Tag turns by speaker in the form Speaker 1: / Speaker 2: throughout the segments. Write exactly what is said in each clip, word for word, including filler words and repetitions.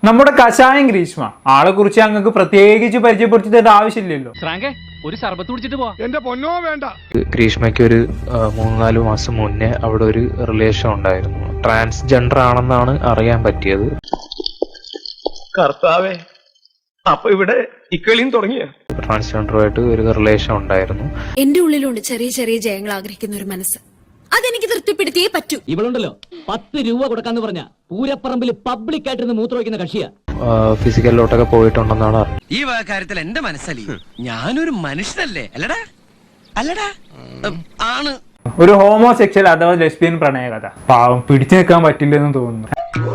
Speaker 1: നമ്മുടെ കഷായം ഗ്രീഷ്മ ആളെ കുറിച്ച് ഞങ്ങൾക്ക് പ്രത്യേകിച്ച് പരിചയപ്പെടുത്തിയിട്ട് ആവശ്യമില്ലല്ലോ.
Speaker 2: ഒരു സർബത്ത് കുടിച്ചിട്ട് പോവാ.
Speaker 3: എന്റെ പൊന്നോ വേണ്ട.
Speaker 4: ഗ്രീഷ്മയ്ക്ക് ഒരു മൂന്ന് നാല് മാസം മുന്നേ അവിടെ ഒരു റിലേഷൻ ഉണ്ടായിരുന്നു. ട്രാൻസ്ജെൻഡർ ആണെന്നാണ് അറിയാൻ പറ്റിയത്.
Speaker 5: കർത്താവേ, അപ്പൊ ഇവിടെ ഇക്കളിയും തുടങ്ങിയ
Speaker 4: ട്രാൻസ്ജെൻഡറുമായിട്ട് ഒരു റിലേഷൻ ഉണ്ടായിരുന്നു.
Speaker 6: എന്റെ ഉള്ളിലുണ്ട് ചെറിയ ചെറിയ ജയങ്ങൾ ആഗ്രഹിക്കുന്ന ഒരു മനസ്സ്. അതെനിക്ക് തൃപ്തിപ്പെടുത്തിയേ പറ്റൂ.
Speaker 2: ഇവളുണ്ടല്ലോ പത്ത് രൂപ കൊടുക്കാന്ന് പറഞ്ഞ പൂരപ്പറമ്പിൽ പബ്ലിക് ആയിട്ടിരുന്ന് മൂത്രമൊഴിക്കുന്ന കക്ഷിയാ.
Speaker 4: ഫിസിക്കലിലോട്ടൊക്കെ പോയിട്ടുണ്ടെന്നാണ് അറിഞ്ഞത്.
Speaker 7: ഈ കാര്യത്തിൽ എന്റെ മനസ്സലി ഞാനൊരു മനുഷ്യനല്ലേ അല്ലടാ അല്ലടാ ആണ്.
Speaker 1: ഒരു ഹോമോസെക്ഷൽ അഥവാ ലെസ്ബിയൻ പ്രണയ കഥ. പാവം പിടിച്ചു നിൽക്കാൻ പറ്റില്ലെന്ന് തോന്നുന്നു.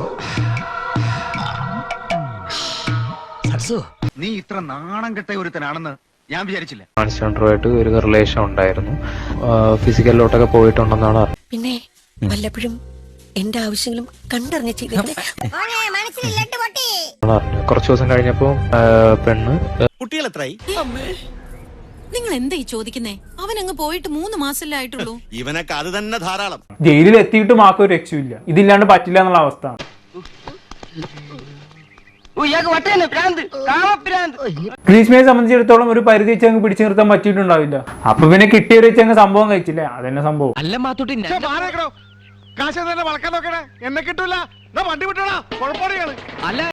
Speaker 8: നീ ഇത്ര നാണം കെട്ട ഒരുത്തനാണെന്ന് ഞാൻ വിചാരിച്ചില്ല.
Speaker 4: ട്രാൻസ്ജെൻഡറുമായിട്ട് ഒരു റിലേഷൻ ഉണ്ടായിരുന്നു. ഫിസിക്കലിലോട്ടൊക്കെ പോയിട്ടുണ്ടെന്നാണ് അറിഞ്ഞത്.
Speaker 6: പിന്നെ വല്ലപ്പോഴും എന്റെ ആവശ്യങ്ങളും കണ്ടറിഞ്ഞ് ചെയ്തേ.
Speaker 4: കുറച്ചു ദിവസം കഴിഞ്ഞപ്പോ പെണ്ണ്
Speaker 7: കുട്ടികൾ എത്രയായി?
Speaker 6: നിങ്ങൾ എന്തായി ചോദിക്കുന്നേ? അവൻ അങ്ങ് പോയിട്ട് മൂന്ന് മാസല്ലേ ആയിട്ടുള്ളൂ.
Speaker 7: ഇവനൊക്കെ അത് തന്നെ ധാരാളം.
Speaker 1: ജയിലിൽ എത്തിയിട്ട് മാക്കൊരു രക്ഷയില്ല. ഇതില്ലാണ്ട് പറ്റില്ല എന്നുള്ള അവസ്ഥ. ഗ്രീഷ്മയെ സംബന്ധിച്ചിടത്തോളം ഒരു പരിധി വെച്ച് അങ്ങ് പിടിച്ചു നിർത്താൻ പറ്റിയിട്ടുണ്ടാവില്ല. അപ്പൊ പിന്നെ കിട്ടിയൊരു വെച്ച് അങ്ങ് സംഭവം കഴിച്ചില്ലേ, അതന്നെ സംഭവം.
Speaker 2: അല്ല മാത്തൂട്ടി
Speaker 3: കാശ് തന്നെ വളക്കാൻ നോക്കണേ, എന്നെ കിട്ടൂല. വണ്ടി വിട്ടോളാ, കുഴപ്പമാണ്.
Speaker 2: അല്ല